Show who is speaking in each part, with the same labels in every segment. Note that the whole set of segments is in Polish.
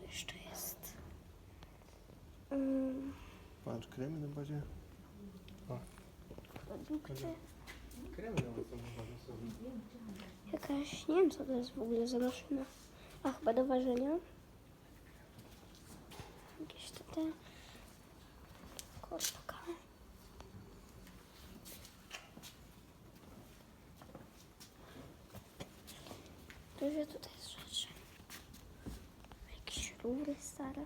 Speaker 1: jeszcze jest?
Speaker 2: Patrz, kremy na bazie.
Speaker 1: Produkty.
Speaker 2: Kremy na bazie są.
Speaker 1: Jakaś, nie wiem co to jest w ogóle za maszyna. A chyba do ważenia. Jakieś te koszka. Dużo tutaj jest rzeczy. Jakieś rury stare.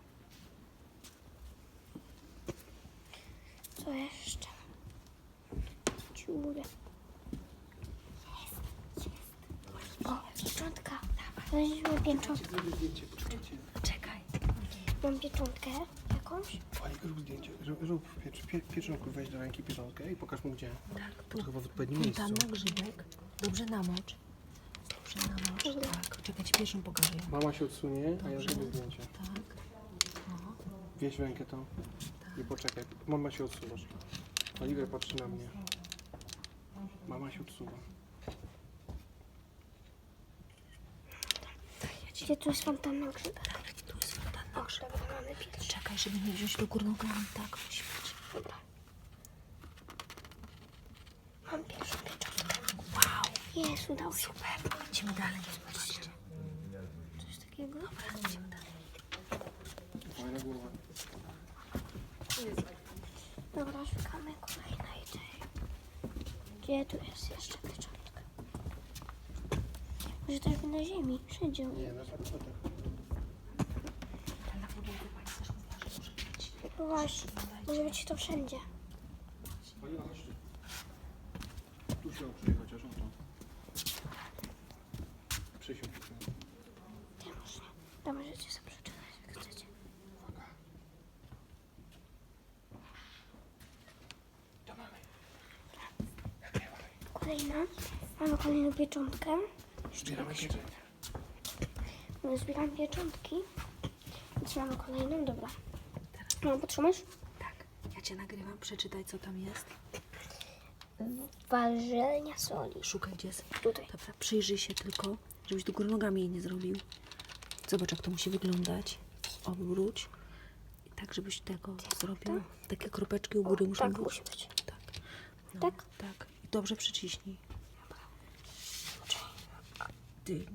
Speaker 1: Co jeszcze? Dziury. O, pieczątka. Weźmy pieczątkę.
Speaker 2: Zrobię zdjęcie, poczekajcie.
Speaker 1: Czekaj. Mam pieczątkę jakąś.
Speaker 2: Fajnie, rób zdjęcie. Rób pieczątku, weź do ręki pieczątkę i pokaż mu gdzie.
Speaker 3: Tak,
Speaker 2: To chyba w odpowiednim miejscu.
Speaker 3: tam na grzybek. Dobrze namocz. Dobrze namocz,
Speaker 1: Dobra.
Speaker 3: tak. Czekaj, ci pierwszą pokażę ją.
Speaker 2: Mama się odsunie, a ja zrobię zdjęcie.
Speaker 3: Tak. O,
Speaker 2: Wieź rękę to i poczekaj. Mama się odsuwasz. Oliver patrzy na mnie. Mama się odsuwa.
Speaker 1: Gdzie tu jest fontanna grzybek?
Speaker 3: tu jest fontanna
Speaker 1: O,
Speaker 3: grzybek.
Speaker 1: dobra, mamy pierwszy.
Speaker 3: Czekaj, żeby nie wziąć do górnogami. Tak, musi być.
Speaker 1: Dobra. Mam pierwszą pieczątkę.
Speaker 3: Wow,
Speaker 1: Jest, udało się.
Speaker 3: super. Idziemy dalej. Zobaczcie.
Speaker 1: Coś takiego?
Speaker 3: Dobra, idziemy dalej.
Speaker 2: Fajna głowa.
Speaker 1: Dobra, szukamy kolejnej tej. Gdzie tu jest jeszcze pieczątka? Może też na ziemi, wszędzie.
Speaker 2: Nie, na parapetach.
Speaker 3: Ten na podłogę pani też mówiła, że może być.
Speaker 1: No właśnie, może być to wszędzie.
Speaker 2: Oliwa, chodź tu. Tu się oprzej chociaż, o to. Przysiądź.
Speaker 1: Nie można. To możecie sobie przeczytać, jak chcecie.
Speaker 2: Uwaga. To mamy.
Speaker 1: Kolejna. Mamy kolejną pieczątkę.
Speaker 2: Zbieramy pieczęć.
Speaker 1: No, zbieram pieczątki. Więc mamy kolejną, dobra. No, potrzymasz?
Speaker 3: Tak, ja cię nagrywam. Przeczytaj, co tam jest.
Speaker 1: Ważenia soli.
Speaker 3: Szukaj, gdzie jest.
Speaker 1: Tutaj.
Speaker 3: Dobra, przyjrzyj się tylko, żebyś do góry nogami jej nie zrobił. Zobacz, jak to musi wyglądać. Obróć. I tak, żebyś tego zrobił. Takie kropeczki u góry muszą
Speaker 1: Tak
Speaker 3: być.
Speaker 1: musi być.
Speaker 3: Tak. No,
Speaker 1: Tak?
Speaker 3: Tak. I dobrze przyciśnij. Ty.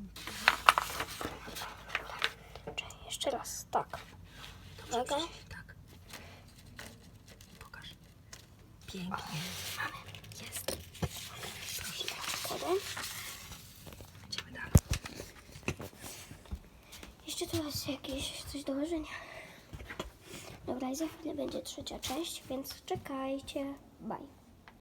Speaker 1: Czyli jeszcze raz, tak.
Speaker 3: Dobrze
Speaker 1: Uwaga.
Speaker 3: przyciśnij. Tak. Pokaż. Pięknie. Jest. Proszę.
Speaker 1: Kładę.
Speaker 3: Idziemy dalej.
Speaker 1: Jeszcze tu jest jakieś coś do ważenia. Dobra, i za chwilę będzie trzecia część, więc czekajcie. Bye.